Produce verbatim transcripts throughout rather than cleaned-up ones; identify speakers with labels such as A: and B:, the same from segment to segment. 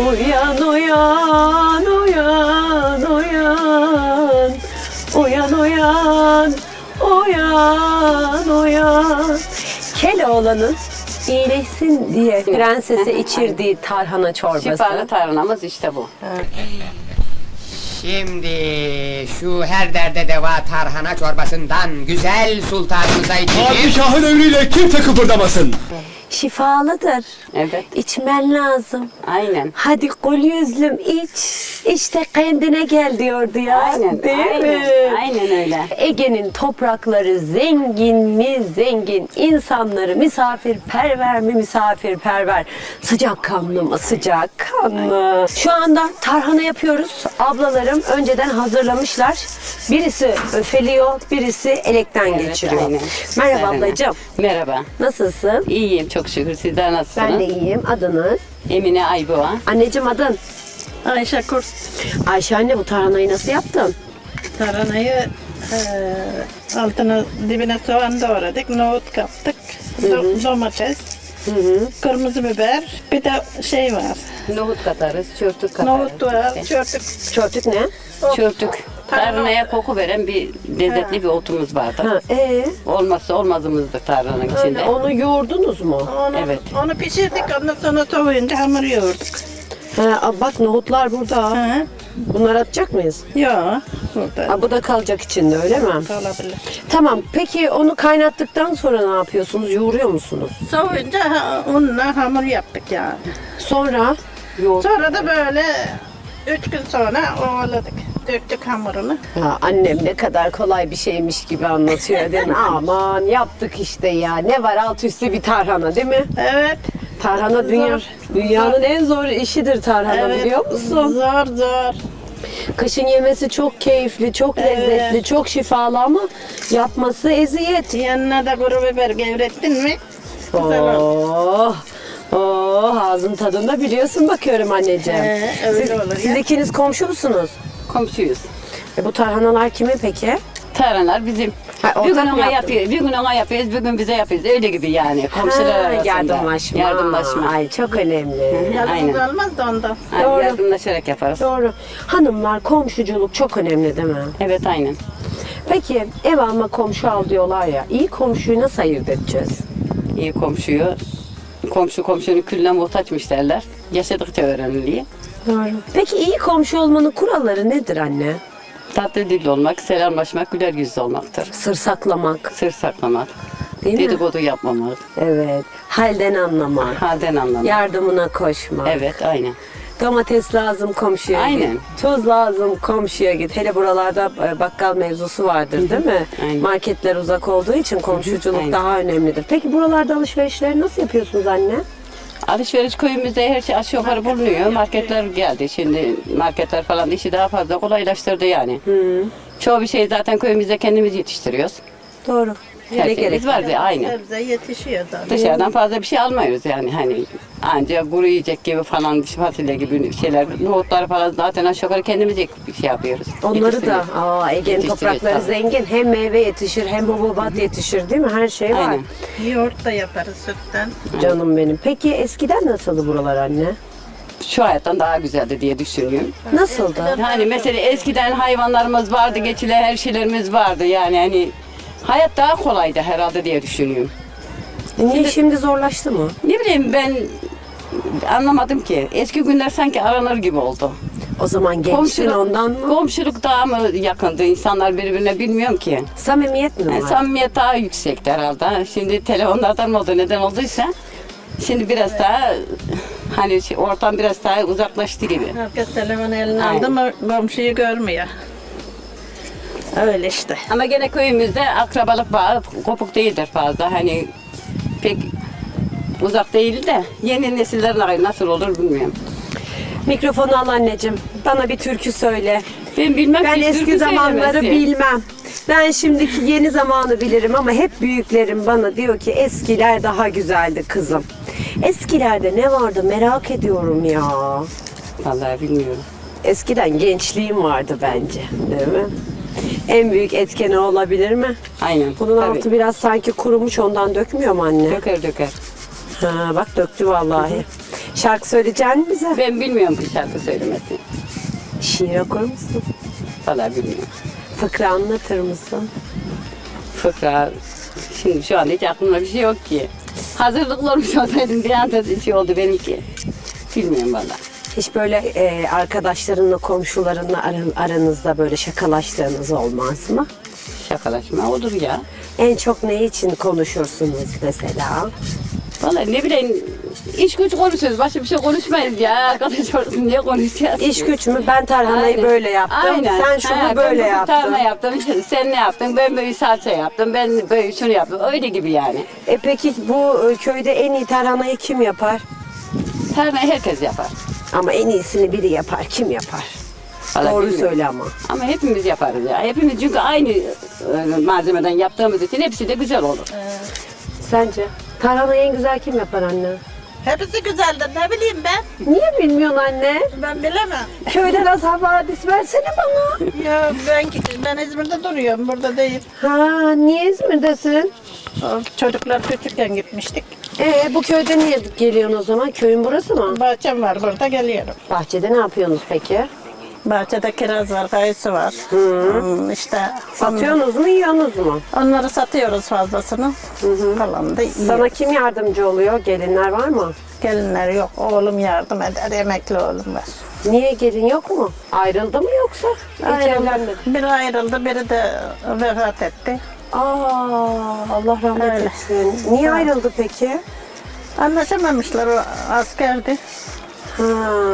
A: Uyan uyan uyan uyan. Uyan uyan uyan uyan. Keloğlan'ın iyileşsin diye prensese içirdiği tarhana çorbası.
B: Şifalı tarhanamız işte bu.
C: Şimdi şu her derde deva tarhana çorbasından güzel sultanımıza içecek.
D: Padişahın emriyle kimse kıpırdamasın.
A: Şifalıdır.
B: Evet.
A: İçmen lazım.
B: Aynen.
A: Hadi gol yüzlüm iç. İşte kendine gel diyordu ya.
B: Aynen.
A: Değil
B: aynen,
A: mi?
B: Aynen öyle.
A: Ege'nin toprakları zengin mi zengin, insanları misafirperver mi misafirperver, sıcakkanlı mı sıcakkanlı. Şu anda tarhana yapıyoruz. Ablalarım önceden hazırlamışlar. Birisi öfeliyor, birisi elekten
B: Evet,
A: geçiriyor.
B: aynen.
A: Merhaba
B: Aynen.
A: ablacığım.
B: Merhaba.
A: Nasılsın?
B: İyiyim çok şükür. Sizler nasılsınız?
A: Ben de iyiyim. Adınız?
B: Emine Ayboğa.
A: Anneciğim adın?
E: Ayşe Kurt.
A: Ayşe anne, bu tarhanayı nasıl yaptın?
E: Tarhanayı eee altına dibine soğan doğradık, nohut kattık, do- domates,
A: Hı hı.
E: kırmızı biber, bir de şey var,
B: Nohut katarız, çörtük katarız.
E: nohut var,
B: işte.
E: çörtük.
A: Çörtük ne?
B: Çörtük. Tarhanaya koku veren bir lezzetli bir otumuz vardır.
A: Ha, ee,
B: Olmazsa olmazımızdır tarhananın içinde.
A: onu yoğurdunuz mu?
E: Onu,
B: Evet.
E: onu pişirdik, ondan sonra soğuyunca hamur yoğurduk.
A: Ha, bak nohutlar burada.
E: Hı.
A: Bunları atacak mıyız?
E: Yok, burada
A: Ha, bu da kalacak içinde, öyle mi?
E: olabilir.
A: Tamam. Peki onu kaynattıktan sonra ne yapıyorsunuz? Yoğuruyor musunuz?
E: Soğuyunca ha, unla hamur yaptık yani.
A: Sonra
B: Yoğurt.
E: Sonra da böyle üç gün sonra ovaladık, döktük hamurunu.
A: ya annem ne kadar kolay bir şeymiş gibi anlatıyor değil mi? Aman yaptık işte ya. Ne var alt üstü bir tarhana değil mi?
E: Evet.
A: Tarhana dünya,
E: Zor.
A: dünyanın en zor işidir tarhana, biliyor musun?
E: Zor zor.
A: Kışın yemesi çok keyifli, çok
E: Evet.
A: lezzetli, çok şifalı ama yapması eziyet.
E: Yanına da kuru biber gevrettin mi? Güzel olur.
A: Oh, oh, ağzın tadında biliyorsun bakıyorum anneciğim.
E: Ee, öyle
A: siz,
E: olur
A: siz
E: ya.
A: ikiniz komşu musunuz?
B: Komşuyuz.
A: E, bu tarhanalar kimin peki?
B: Tarhanalar bizim.
A: Ha,
B: bir gün
A: ortak mı
B: ona
A: yaptın?
B: yapıyoruz, bir gün ona yapıyoruz, bir gün bize yapıyoruz. Öyle gibi yani. Komşular
A: Ha,
B: arasında.
A: yardımlaşma.
B: Yardımlaşma.
A: Ay çok önemli.
E: Yalnız
B: Aynen.
E: olmaz da ondan.
B: Aynen,
A: Doğru.
B: yardımlaşarak yaparız.
A: Doğru. Hanımlar, komşuculuk çok önemli değil mi?
B: Evet aynen.
A: Peki ev alma komşu al diyorlar ya. İyi komşuyu nasıl ayırt edeceğiz?
B: İyi komşuyu, komşu komşunun külüne muhtaçmış derler. Yaşadıkça öğreniliyor.
A: Doğru. Peki iyi komşu olmanın kuralları nedir anne?
B: Tatlı dilli olmak, selamlaşmak, güler yüzlü olmaktır.
A: Sır saklamak,
B: Sır saklamak,
A: değil mi?
B: dedikodu yapmamak,
A: Evet. Halden anlamak,
B: halden anlamak.
A: yardımına koşmak.
B: Evet aynen.
A: Domates lazım komşuya
B: Aynen.
A: git. Tuz lazım komşuya git. Hele buralarda e, bakkal mevzusu vardır değil mi?
B: Aynen.
A: Marketler uzak olduğu için komşuculuk
B: Aynen.
A: daha önemlidir. Peki buralarda alışverişleri nasıl yapıyorsunuz anne?
B: Alışveriş köyümüzde her şey aşağı yukarı bulunuyor. Marketler geldi. Şimdi marketler falan işi daha fazla kolaylaştırdı yani. Çoğu bir şey zaten köyümüzde kendimiz yetiştiriyoruz.
A: Doğru.
B: Her
A: Ne
B: şeyimiz
A: gerek?
B: var aynı.
E: Sebze yetişiyor da.
B: Dışarıdan fazla bir şey almıyoruz yani hani ancak kuru yiyecek gibi falan fasulye gibi şeyler, nohutlar falan zaten aşağı yukarı kendimiz bir şey yapıyoruz.
A: Onları da,
B: Yetiştiriyoruz.
A: aa, Ege'nin
B: Yetiştiriyoruz
A: toprakları
B: tabii.
A: zengin. Hem meyve yetişir, hem hububat yetişir değil mi? Her şey var.
B: Aynen.
E: Yoğurt da yaparız sütten.
A: Canım benim. Peki eskiden nasıldı buralar anne?
B: Şu hayattan daha güzeldi diye düşünüyorum.
A: Nasıldı?
B: Yani mesela eskiden hayvanlarımız vardı, geçilen her şeylerimiz vardı yani hani hayat daha kolaydı herhalde diye düşünüyorum.
A: Niye şimdi zorlaştı mı?
B: Ne bileyim ben anlamadım ki. Eski günler sanki aranır gibi oldu.
A: O zaman gençtin
B: Komşuluk,
A: ondan mı?
B: komşuluk daha mı yakındı insanlar birbirine bilmiyorum ki.
A: Samimiyet mi var?
B: Yani samimiyet daha yüksekti herhalde. Şimdi telefonlardan mı oldu neden olduysa şimdi biraz daha hani şey, ortam biraz daha uzaklaştı gibi.
E: Herkes telefonu eline
B: Aynen.
E: aldı mı komşuyu görmüyor. Öyle işte.
B: Ama gene köyümüzde akrabalık bağı kopuk değildir fazla. Hani pek uzak değil de yeni nesillerin nasıl olur bilmiyorum.
A: Mikrofonu al anneciğim. Bana bir türkü söyle.
B: Ben bilmem
A: Ben
B: ki
A: eski
B: türkü
A: zamanları
B: söylemesi.
A: bilmem. Ben şimdiki yeni zamanı bilirim ama hep büyüklerim bana diyor ki eskiler daha güzeldi kızım. Eskilerde ne vardı merak ediyorum ya.
B: Vallahi bilmiyorum.
A: Eskiden gençliğim vardı bence, değil mi? En büyük etkeni olabilir mi?
B: Aynen.
A: Bunun
B: tabii.
A: altı biraz sanki kurumuş, ondan dökmüyor mu anne?
B: Döker döker.
A: Ha, bak döktü vallahi. Şarkı söyleyecek misin bize?
B: Ben bilmiyorum bu şarkı söylemesini.
A: Şiir okur musun?
B: Vallahi bilmiyorum.
A: Fıkra anlatır mısın?
B: Fıkra, şimdi şu an hiç aklımda bir şey yok ki. Hazırlıklı olmuş olsaydım bir anda şey oldu benimki. Bilmiyorum valla.
A: Hiç böyle e, arkadaşlarınla, komşularınla aran- aranızda böyle şakalaştığınız olmaz mı?
B: Şakalaşma olur ya.
A: En çok ne için konuşursunuz mesela?
B: Vallahi ne bileyim, iş güç konuşuyoruz. Başka bir şey konuşmayız ya. Arkadaş olsun diye konuşacağız.
A: İş güç mü? Ben tarhanayı
B: Aynen.
A: böyle yaptım.
B: Aynen.
A: Sen şunu
B: Ha,
A: böyle
B: ben
A: yaptın.
B: tarhana yaptım. Sen ne yaptın? Ben böyle salça yaptım. Ben böyle şunu yaptım. Öyle gibi yani.
A: E peki bu e, köyde en iyi tarhanayı kim yapar?
B: Tarhanayı herkes yapar.
A: Ama en iyisini biri yapar. Kim yapar?
B: Vallahi
A: Doğru
B: bilmiyorum.
A: söyle ama.
B: Ama hepimiz yaparız ya. Hepimiz çünkü aynı e, malzemeden yaptığımız için hepsi de güzel olur.
A: Sence? Tarhanayı en güzel kim yapar anne?
E: Hepsi güzeldir. Ne bileyim ben?
A: Niye bilmiyorsun anne?
E: Ben bilemem.
A: Köyden az havadis versene bana.
E: Ya ben ben İzmir'de duruyorum. Burada değil.
A: Ha, niye İzmir'desin?
E: O çocuklar küçükken gitmiştik.
A: Ee, bu köyde niye geliyorsun o zaman? Köyün burası mı?
E: Bahçem var, burada geliyorum.
A: Bahçede ne yapıyorsunuz peki?
E: Bahçede kiraz var, kayısı var. Hmm, işte
A: Satıyorsunuz mu, yiyorsunuz mu?
E: onları satıyoruz fazlasını. Kalan da yiyoruz.
A: Sana kim yardımcı oluyor? Gelinler var mı?
E: Gelinler yok. Oğlum yardım eder. Emekli oğlum var.
A: Niye gelin yok mu? Ayrıldı mı yoksa? Hiç evlenmedi.
E: Biri ayrıldı, biri de vefat etti.
A: Aa, Allah rahmet
E: Öyle.
A: etsin. Niye
E: Ha.
A: ayrıldı peki?
E: Anlaşamamışlar, o askerdi.
A: Ha.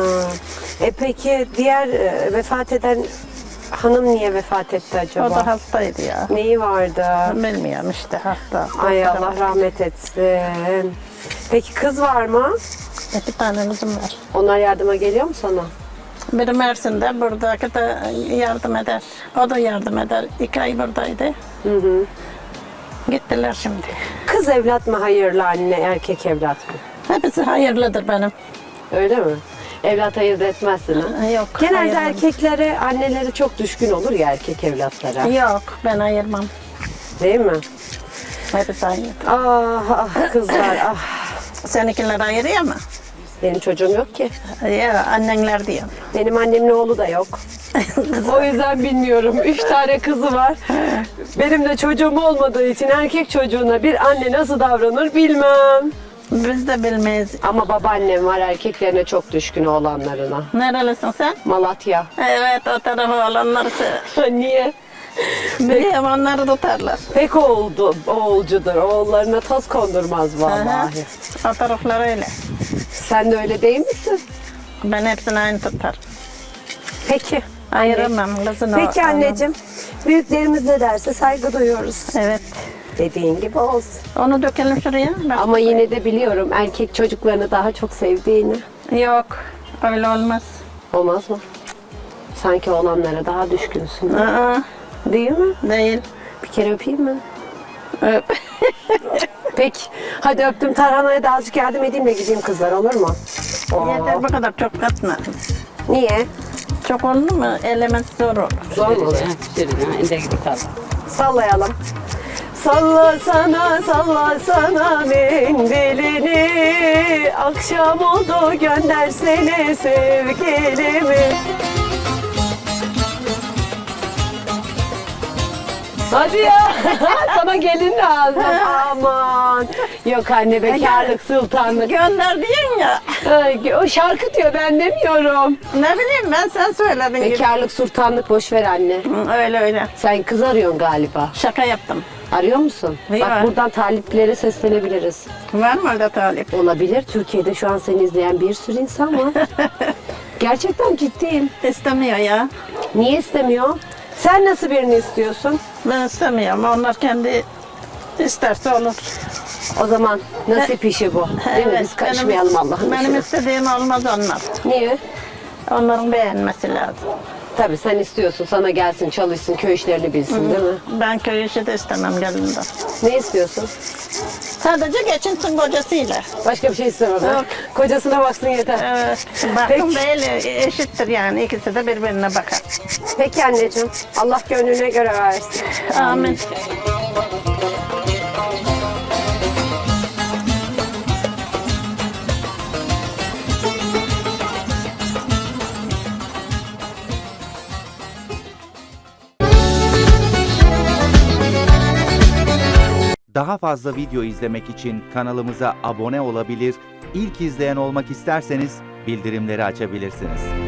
A: E peki diğer e, vefat eden hanım niye vefat etti acaba?
E: O da hastaydı ya.
A: Neyi vardı?
E: Bilmiyorum işte hasta.
A: Ay Allah rahmet etsin. Peki kız var mı?
E: İki tanemizim var.
A: Onlar yardıma geliyor mu sana?
E: Biri Mersin'de, buradaki de yardım eder. O da yardım eder. İki ay buradaydı.
A: Hı hı.
E: Gittiler şimdi.
A: Kız evlat mı hayırlı anne, erkek evlat mı?
E: Hepsi hayırlıdır benim.
A: Öyle mi? Evlat ayırt etmezsin ha?
E: Yok.
A: Genelde
E: ayırmam.
A: erkeklere, anneleri çok düşkün olur ya erkek evlatlara.
E: Yok, ben ayırmam.
A: Değil mi?
E: Hepsi aynı.
A: Ah ah kızlar ah.
E: Seninkiler ayırıyor mu?
A: Benim çocuğum yok ki.
E: Ya annenler diyor.
A: Benim annemin oğlu da yok. O yüzden bilmiyorum. Üç tane kızı var. Benim de çocuğum olmadığı için erkek çocuğuna bir anne nasıl davranır bilmem.
E: Biz de bilmeyiz.
A: Ama babaannem var erkeklerine çok düşkün oğlanlarına.
E: Nerelisin sen?
A: Malatya.
E: Evet, o tarafa olanları se-
A: Niye?
E: biliyorum, onları tutarlar.
A: Pek oğuldu, oğulcudur. Oğullarına toz kondurmaz vallahi.
E: Aha, o taraflar öyle.
A: Sen de öyle değil misin?
E: Ben hepsini aynı tutar.
A: Peki.
E: Ayıramam kızını.
A: Peki anneciğim. Büyüklerimiz ne derse saygı duyuyoruz.
E: Evet.
A: Dediğin gibi olsun.
E: Onu dökelim şuraya. Bak.
A: Ama yine de biliyorum erkek çocuklarını daha çok sevdiğini.
E: Yok, öyle olmaz.
A: Olmaz mı? Sanki oğlanlara daha düşkünsün.
E: Aa,
A: Değil mi?
E: değil.
A: Bir kere öpeyim mi?
E: Öp.
A: Peki. Hadi öptüm. Tarhanaya da azıcık yardım edeyim de gideyim kızlar, olur mu? Oo.
E: Yeter, bu kadar çok katma.
A: Niye?
E: Çok oldu mu elemez zor olur.
A: Zor mu oluyor?
B: Şöyle, ha, elde gibi kaldı.
A: Sallayalım. Salla sana, salla sana mendilini. Akşam oldu göndersene sevgilimi. Hadi ya. Sana gelin lazım. Aman. Yok anne, bekarlık sultanlık.
E: Gönder diyorsun ya.
A: Ay, o şarkı diyor, ben demiyorum.
E: Ne bileyim ben, sen söyledin gibi.
A: Bekarlık sultanlık boş ver anne.
E: Hı, öyle öyle.
A: Sen kız arıyorsun galiba.
E: Şaka yaptım.
A: Arıyor musun?
E: Yok.
A: Bak buradan taliplere seslenebiliriz.
E: Var mı öyle talip?
A: Olabilir. Türkiye'de şu an seni izleyen bir sürü insan var. Gerçekten ciddiyim.
E: İstemiyor ya.
A: Niye istemiyor? Sen nasıl birini istiyorsun?
E: Ben istemiyorum. Onlar kendi isterse olur.
A: O zaman nasip işi bu. Değil mi? Biz karışmayalım
E: benim,
A: Allah'ın
E: Benim
A: işine.
E: istediğim olmaz onlar.
A: Niye?
E: Onların beğenmesi lazım.
A: Tabii sen istiyorsun. Sana gelsin, çalışsın, köy işlerini bilsin değil mi?
E: Ben köy işi de istemem gelinden.
A: Ne istiyorsun?
E: Sadece geçinsin kocasıyla.
A: Başka bir şey istemem. ha?
E: Yok.
A: Kocasına baksın yeter.
E: Evet. Bakın değil, eşittir yani. İkisi de birbirine bakar.
A: Peki anneciğim. Allah gönlüne göre versin.
E: Amin.
F: Daha fazla video izlemek için kanalımıza abone olabilir, ilk izleyen olmak isterseniz bildirimleri açabilirsiniz.